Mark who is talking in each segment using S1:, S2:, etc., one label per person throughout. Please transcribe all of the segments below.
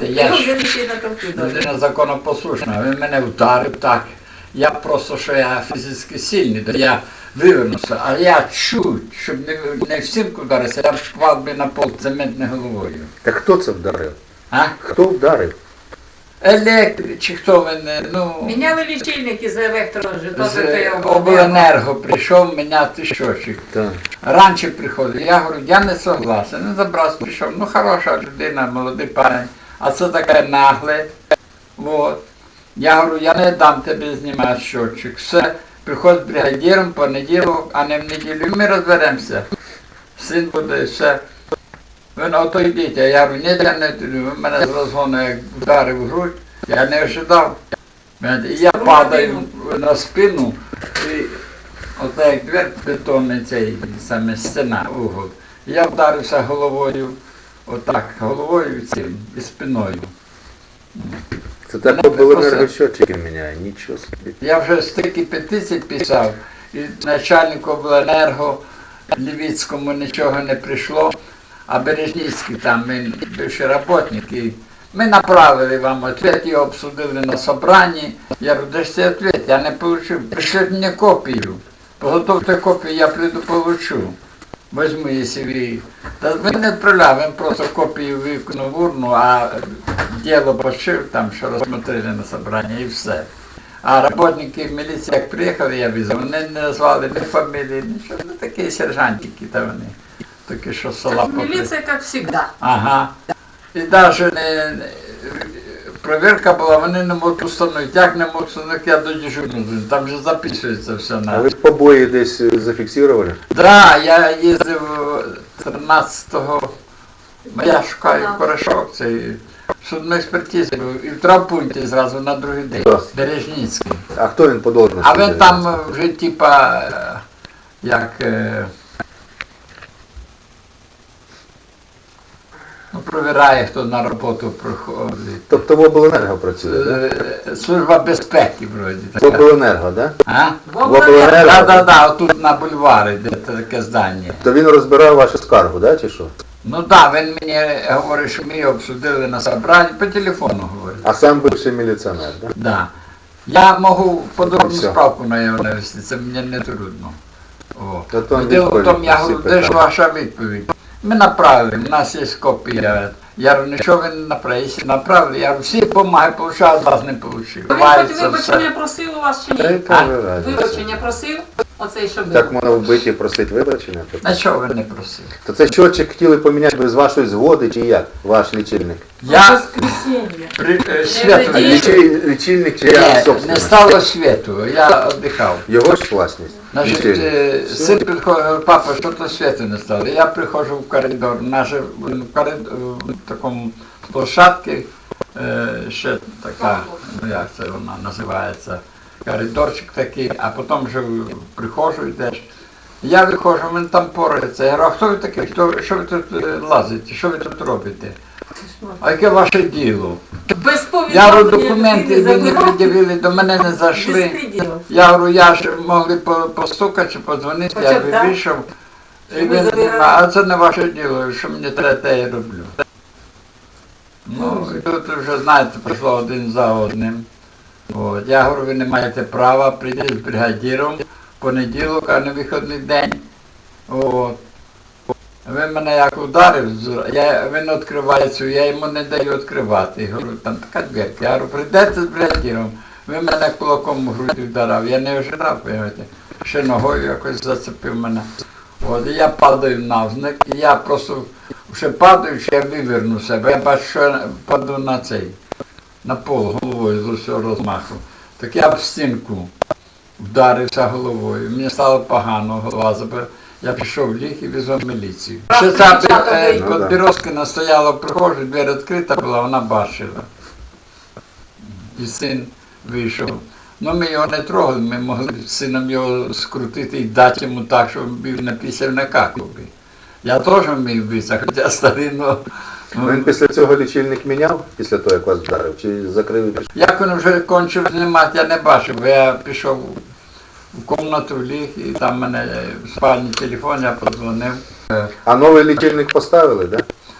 S1: знаєте, я ж людина законопослушна, він мене вдарив так. Я просто, що я фізично сильний, то я вивернувся, а я чуть, щоб не в стінку вдарився, я впав би на пол цементною головою.
S2: Так хто це вдарив?
S1: А?
S2: Хто вдарив?
S1: Електрик, чи хто мене, ну...
S3: Міняли лічильники з
S1: З обленерго прийшов міняти щочик.
S2: Так.
S1: Раніше приходив, я говорю, я не согласен, не забрав, прийшов, ну хороша людина, молодий парень, а це таке нагле, вот. Я говорю, я не дам тебе знімати щочик, все, приходь з бригадіром понеділок, а не в неділю, і ми розберемося. Син буде, все. Він ото йдіть, а я говорю, ні, я не туди, він мене з розгону як вдарив в грудь, я не ожидав. І я падаю на спину, і ота як двері бетонний цей саме стіна, угол. І я вдарився головою, отак, головою цим і спиною.
S2: Це так обленергосчетчики міняє, нічого собі.
S1: Я вже стільки петицій писав, і начальнику обленерго Лівіцькому нічого не прийшло, а Бережницький там, він бивший роботник, і ми направили вам ответ, його обсудили на собранні. Я говорю, де ж цей ответ? Я не отримав. Пришліть мені копію. Поготовте копію, я прийду получу. Возьму, якщо ви... Та він не відправляв, він просто копію виконав в урну, а діло почив там, що розсмотрели на собранні, і все. А роботники міліції, як приїхали, я візив, вони не назвали ні фамілії, нічого, ну такі сержантики та вони. Такі, що з села попри.
S3: Міліція, як завжди.
S1: Ага. І навіть перевірка була, вони не можуть установити. Як не можуть установити, я до дежурного, там вже записується все.
S2: А ви побої десь зафіксували?
S1: Так, я їздив 13-го, я шукаю порошок, цей судної експертизи був, і в травмпункті зразу на другий день, Бережницький.
S2: А хто він по должності?
S1: А він там вже типа, як... Ну, провіряє, хто на роботу приходить.
S2: Тобто в обленерго працює, так?
S1: Служба безпеки, вроді.
S2: В обленерго, так?
S1: А?
S2: В обленерго?
S1: Так, отут на бульварі, де таке здання.
S2: То він розбирав вашу скаргу, так, чи що?
S1: Ну так, він мені говорить, що ми обсудили на собранні, по телефону говорить.
S2: А сам бивший міліціонер, так?
S1: Да. Я можу подробну
S2: Все.
S1: справку на його навести, це мені не трудно.
S2: Та то він
S1: Діло в тому, я
S2: всі
S1: говорю, де ж
S2: питання.
S1: ваша відповідь? Ми направили, у нас є копія. Я говорю, нічого ви не направили, якщо направили, я говорю, всі бумаги получав, вас не получив.
S3: Він хоч вибачення просив у вас чи
S2: Та
S3: ні?
S2: яка ви разниця?
S3: Вибачення просив? Оцей, що був.
S2: Так можна вбиті просити вибачення?
S1: На чого ви не просили?
S2: То це щотчик хотіли поміняти без вашої згоди, чи як, ваш лічильник?
S1: Я
S3: Воскресенье.
S1: світу
S3: Ні,
S2: Лічильник чи я
S1: не
S2: собственник?
S1: стало світу, я віддихав.
S2: Його ж власність?
S1: Значить,
S2: Лічильник.
S1: син підходить, говорить, папа, що то світу не стало. Я приходжу в коридор, в такому площадці, ще така, ну як це вона називається, коридорчик такий, а потім вже приходжу йдеш. Я виходжу, він там порається. Я говорю, а хто ви такий? Що ви тут лазите? Що ви тут робите? А яке ваше діло?
S3: Без повідомлення.
S1: Я говорю, документи
S3: людини
S1: ви не
S3: забирав.
S1: пред'явили, до мене не зайшли.
S3: Безпреділ.
S1: Я говорю, я ж могли постукати чи подзвонити, я
S3: Хоча б,
S1: би
S3: так?
S1: вийшов. І
S3: Щоб ви
S1: він,
S3: забирали.
S1: а це не ваше діло, що мені треба, те я роблю. Ну, і тут вже, знаєте, пішло один за одним. От. Я говорю, ви не маєте права, прийти з бригадіром в понеділок, а не вихідний день. От. Він мене як ударив, він відкриває цю, я йому не даю відкривати. Я говорю, там така дверка. Я говорю, прийдете з бригадіром. Він мене кулаком в грудь вдарав, я не ожидав, розумієте. Ще ногою якось зацепив мене. От, і я падаю навзник, і я просто ще падаючи, я виверну себе. Я бачу, що я паду на цей, на пол головою з усього розмаху. Так я в стінку вдарився головою. Мені стало погано, голова забила. Я пішов в ліг і везв міліцію. Ще ця Підбірозкина стояла в прихожій, двері відкрита була, вона бачила. І син вийшов. Ну ми його не трогали, ми могли з сином його скрутити і дати йому так, щоб він напісяв на какові. Я теж вмів битися, хоча старий, ну...
S2: Він після цього лічильник міняв, після того, як вас вдарив, чи закрив і пішов?
S1: Як він вже кончив знімати, я не бачив, бо я пішов в кімнату, ліг, і там в мене в спальні телефон, я подзвонив.
S2: А новий лічильник поставили, так?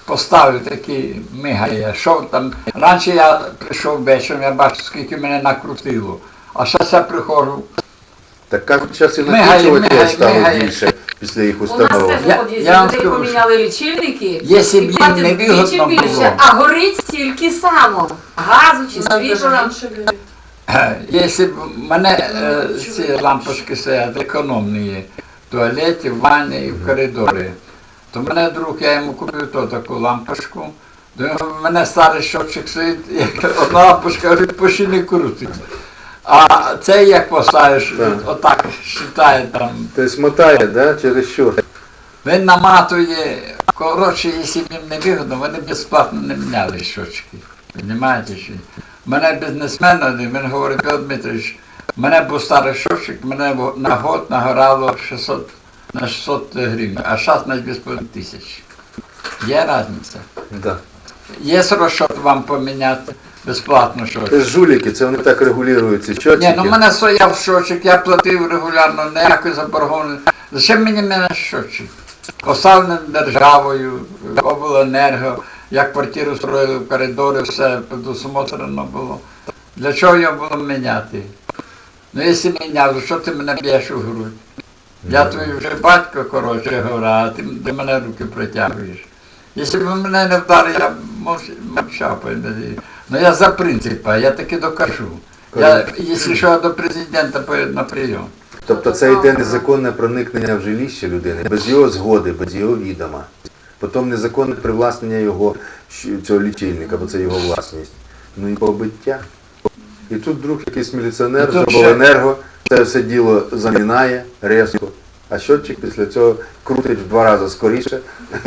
S1: поставив такий мигає. Що там? Раніше я прийшов вечором, я бачу, скільки мене накрутило. А зараз я приходжу.
S2: Так як зараз і
S1: Мигає,
S2: накручувати
S1: мигає,
S2: стало
S1: мигає.
S2: більше після їх
S3: У нас
S2: установок.
S3: теж
S1: Я-
S3: у під'їзді
S1: я вам
S3: людей
S1: скажу,
S3: поміняли лічильники,
S1: Якщо б
S3: і
S1: їм
S3: платять
S1: не
S3: вдвічі
S1: вигодно
S3: більше,
S1: було.
S3: а горить стільки само. Газу чи світла.
S1: Якщо б в мене ці лампочки стоять економні є, в туалеті, в ванні і в коридорі, то мене друг, я йому купив таку лампочку, в мене старий щотчик стоїть, як одна лампочка говорить, почти не крутить. А це як поставиш,
S2: Так.
S1: отак вважає там.
S2: Тобто мотає, да? Через що?
S1: Він наматує, коротше, якщо б їм не вигодно, вони безплатно не міняли щочки. Розумієте? Чи? Мене бізнесмен один, він говорить, Петро Дмитрович, в мене був старий щочик, мене на год нагорало 600, на 600 гривень, а зараз на 2500. Є різниця.
S2: Да.
S1: Є розчет вам поміняти безплатно щочик.
S2: Це ж жуліки, це вони так регулюють ці
S1: Ні,
S2: щотчики.
S1: ну в мене стояв щочик, я платив регулярно, ніякої заборгованості. Зачем мені мене щочик? Поставлений державою, обленерго, як квартиру строїли в коридорі, все предусмотрено було. Для чого його було міняти? Ну якщо міняв, то що ти мене б'єш у грудь? Я твій вже батько, коротше говоря, а ти до мене руки протягуєш. Якщо б мене не вдарив, я б мовчав. Ну я за принципа, я таки докажу. Я, якщо що, я до президента поїду на прийом.
S2: Тобто це йде незаконне проникнення в жилище людини, без його згоди, без його відома. Потім незаконне привласнення його, цього лічильника, бо це його власність. Ну і побиття. І тут вдруг якийсь міліціонер
S1: І
S2: з
S1: тут ще-
S2: обленерго це все діло замінає різко. А щотчик після цього крутить в 2 рази скоріше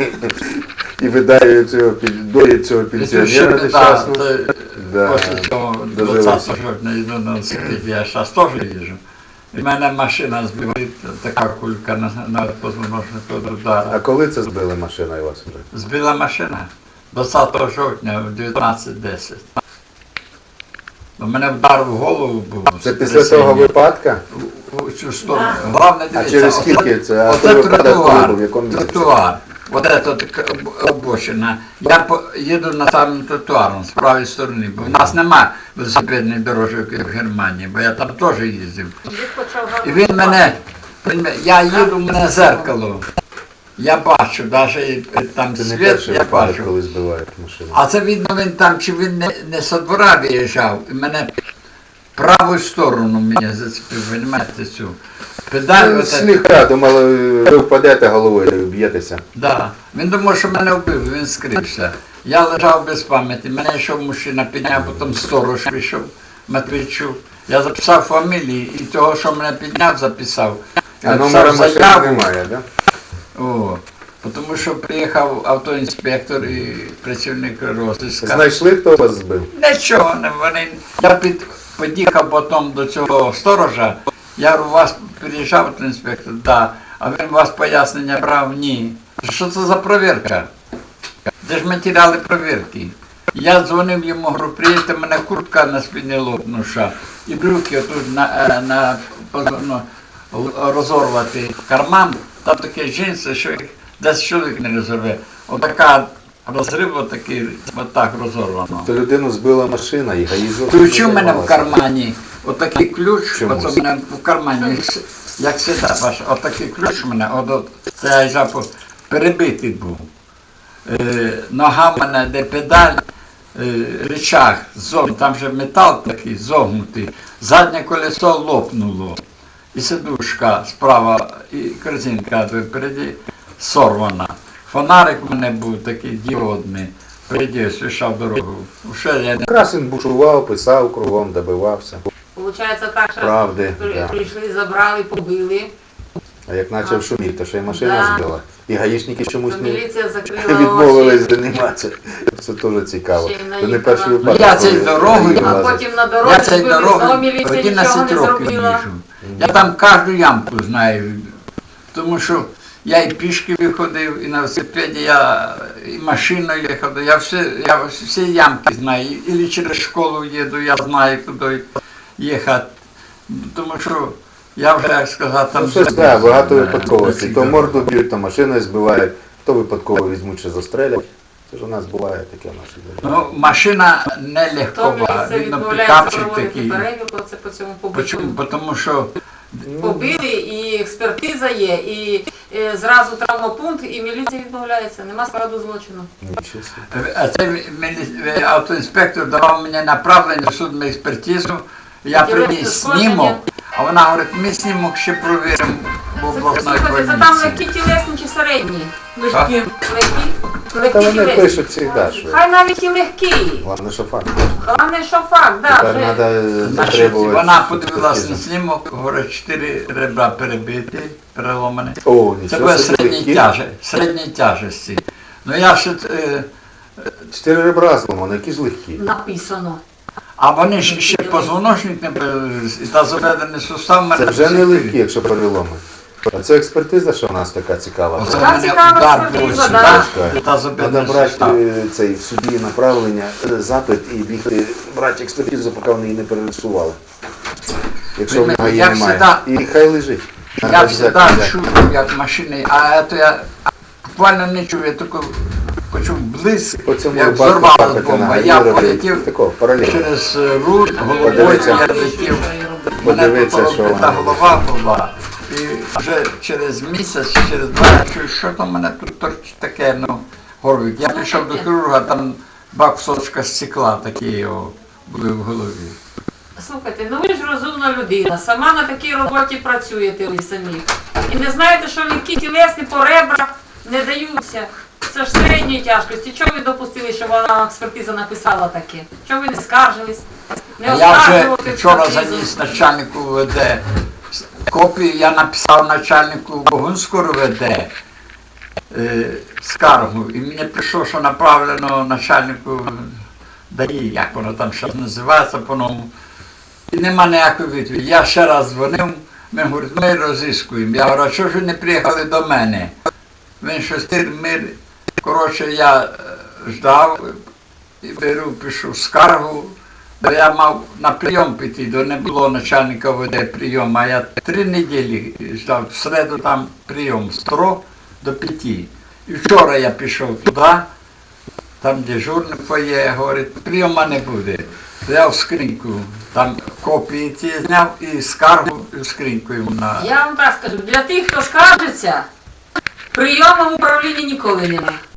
S2: і видає цього, доїть цього пенсіонера нещасного. Да,
S1: Після цього
S2: дожилися.
S1: 20 жовтня йду на велосипеді, я зараз теж їжджу. І в мене машина збила, така кулька на позвоночнику від
S2: А
S1: удара.
S2: коли це збила машина у вас вже?
S1: Збила машина 20 жовтня в 19:10. У мене вдар в голову був.
S2: Це після того випадка?
S1: У цю сторону. Головне
S2: А
S1: дивіться,
S2: через скільки це? А
S1: оце
S2: той випадок коли
S1: тротуар,
S2: був, в якому місці?
S1: тротуар. Вот это така обочина. Я їду на самим тротуаром з правої сторони, бо в нас нема велосипедної дорожок як в Германії, бо я там теж їздив. І він мене, я їду, в мене зеркало. Я бачу, навіть там
S2: Це не
S1: світ,
S2: перший
S1: я
S2: випадок,
S1: бачу.
S2: коли збивають машину.
S1: А це видно, він там, чи він не со двора виїжджав, і мене праву сторону мене зацепив, розумієте, цю. Педаль,
S2: Ну,
S1: оце-
S2: Слегка, думали, ви впадете головою і б'єтеся.
S1: Да. Він думав, що мене вбив, він скрився. Я лежав без пам'яті, мене йшов мужчина, підняв, потім сторож вийшов, Матвійчук. Я записав фамілії, і того, що мене підняв, записав.
S2: А номера
S1: Написав
S2: машини
S1: заяву.
S2: немає, да?
S1: О, тому що приїхав автоінспектор і працівник розіска.
S2: Знайшли, хто вас збив?
S1: Нічого не вони. Я під'їхав потім до цього сторожа. Я говорю, у вас приїжджав автоінспектор? Да. А він у вас пояснення брав? Ні. Що це за перевірка? Де ж матеріали перевірки? Я дзвонив йому, говорю, приїдьте, мене куртка на спині лопнуша. І брюки отут розорвати карман. Там такі джинси, що їх десь чоловік не розорве. Отака розрив, отакий, отак розорвано.
S2: То людину збила машина і гаїзок.
S1: Ключ у мене в кармані, отакий ключ,
S2: Чомусь.
S1: оце в мене в кармані, як завжди, бачиш, отакий ключ у мене, це я жапу, перебитий був. Нога в мене, де педаль, рычаг, там же метал такий, зогнутий, заднє колесо лопнуло, і сидушка справа, і корзинка впереді сорвана. Фонарик у мене був такий діодний, впереді освіщав дорогу. Вже я не
S2: Красин бушував, писав кругом, добивався.
S3: Получається так, що
S2: Правди, да.
S3: прийшли, забрали, побили.
S2: А як почав шуміти, то ще й машина
S3: Да.
S2: збила. І гаїшники чомусь
S3: То
S2: не
S3: міліція закрила
S2: відмовились
S3: очі.
S2: займатися. Це теж цікаво.
S3: Ще й
S2: Це не
S3: наїхала.
S2: перший
S3: Ну,
S2: випадок.
S1: я цей
S2: коли
S1: дорогою,
S2: її
S3: А
S2: лазять.
S3: потім на
S1: Я
S3: дорозі
S1: цією
S3: збили, знову
S1: дорогою
S3: міліція нічого
S1: 11
S3: не
S1: років
S3: зробила.
S1: їжджу. Я там кожну ямку знаю, тому що я і пішки виходив, і на велосипеді, я і машиною їхав, я всі ямки знаю, і через школу їду, я знаю, куди їхати. Тому що я вже, як сказати, там...
S2: Ну, щось, так, багато
S1: Да,
S2: випадковостей.
S1: до
S2: То
S1: цих
S2: морду б'ють, то машиною збивають, то випадково візьмуть, що застрелять. Це ж у нас буває таке в нашій державі.
S1: Ну, машина не легкова,
S3: Втомлюється,
S1: видно,
S3: відмовляється
S1: пікапчик
S3: проводити
S1: такий.
S3: перевірку, це по цьому побиту.
S1: Почому? Тому що
S3: Побили, і експертиза є, і зразу травмопункт, і міліція відмовляється. Нема складу злочину.
S2: Нічого собі.
S1: а це автоінспектор давав мені направлення в судмедекспертизу, я приніс снімок, а вона говорить, ми снімок ще провіримо в обласній
S3: Слухайте, це там
S1: больниці.
S3: легкі тілесні чи середні?
S1: Що?
S3: Легкі
S2: Та вони
S3: тілесні.
S2: пишуть завжди, що
S3: Хай навіть і легкі.
S2: головне, що факт.
S3: Головне, що факт,
S2: Тепер
S3: да, вже.
S2: треба
S1: Значить,
S2: затребувати.
S1: вона подивилась на снімок, говорить, 4 ребра перебиті, переломані.
S2: О,
S1: Це
S2: нічого
S1: було
S2: собі, легкі.
S1: середньої тяжесті. Ну я ще,
S2: 4 ребра зламано, які ж легкі.
S3: Написано.
S1: а вони ж ще позвоночник не та заведений сустав мене.
S2: Це вже не легкі, якщо переломи. А це експертиза, що в нас така цікава.
S1: Оце
S3: Така
S1: мене
S3: цікава
S1: удар
S3: експертиза,
S1: був
S3: да.
S1: сюди, та заведений
S2: Треба брати
S1: сустав.
S2: цей в суді направлення, запит і бігти брати експертизу, поки вони її не перерисували. Якщо в нього її
S1: Я
S2: немає.
S1: всегда-
S2: І хай лежить.
S1: Я
S2: Треба
S1: всегда
S2: взяти, взяти.
S1: чую, як машини, а це я буквально не чую, я тільки почув блиск,
S2: По цьому
S1: як
S2: випадку
S1: взорвалась
S2: так,
S1: бомба.
S2: на
S1: Я
S2: Ігоря
S1: полетів
S2: такого, паралельно.
S1: через руль, головою
S2: Подивіться.
S1: я летів. Мене
S2: Подивіться,
S1: тут
S2: що
S1: розбита
S2: вона.
S1: голова була. І вже через місяць, через 2 я чую, що там в мене тут торчить таке, ну, горвик. Я прийшов до хірурга, там 2 кусочка стекла такі о, були в голові.
S3: Слухайте, ну ви ж розумна людина, сама на такій роботі працюєте ви самі. І не знаєте, що легкі тілесні по ребрах не даються. Це ж середньої тяжкості. Чого ви допустили, що вона експертиза написала таке? Чого ви не скаржились? Не
S1: Я вже
S3: оскаржувати
S1: вчора
S3: експертизу?
S1: заніс начальнику ВД копію, я написав начальнику Богунського ВД скаргу. І мені прийшло, що направлено начальнику ДАІ, як воно там зараз називається по-новому. І нема ніякої відповіді. Я ще раз дзвонив, він говорить, ми розіскуємо. Я говорю, а чого ж ви не приїхали до мене? Він щось коротше, я ждав і беру, пишу скаргу. Бо я мав на прийом піти, до не було начальника ВД прийому, а я 3 неділі ждав, в середу там прийом з 3 до 5. І вчора я пішов туди, там дежурний фоє, говорить, прийома не буде. Взяв скриньку, там копії ці зняв і скаргу і скриньку йому на...
S3: Я вам так скажу, для тих, хто скаржиться, прийому в управлінні ніколи нема.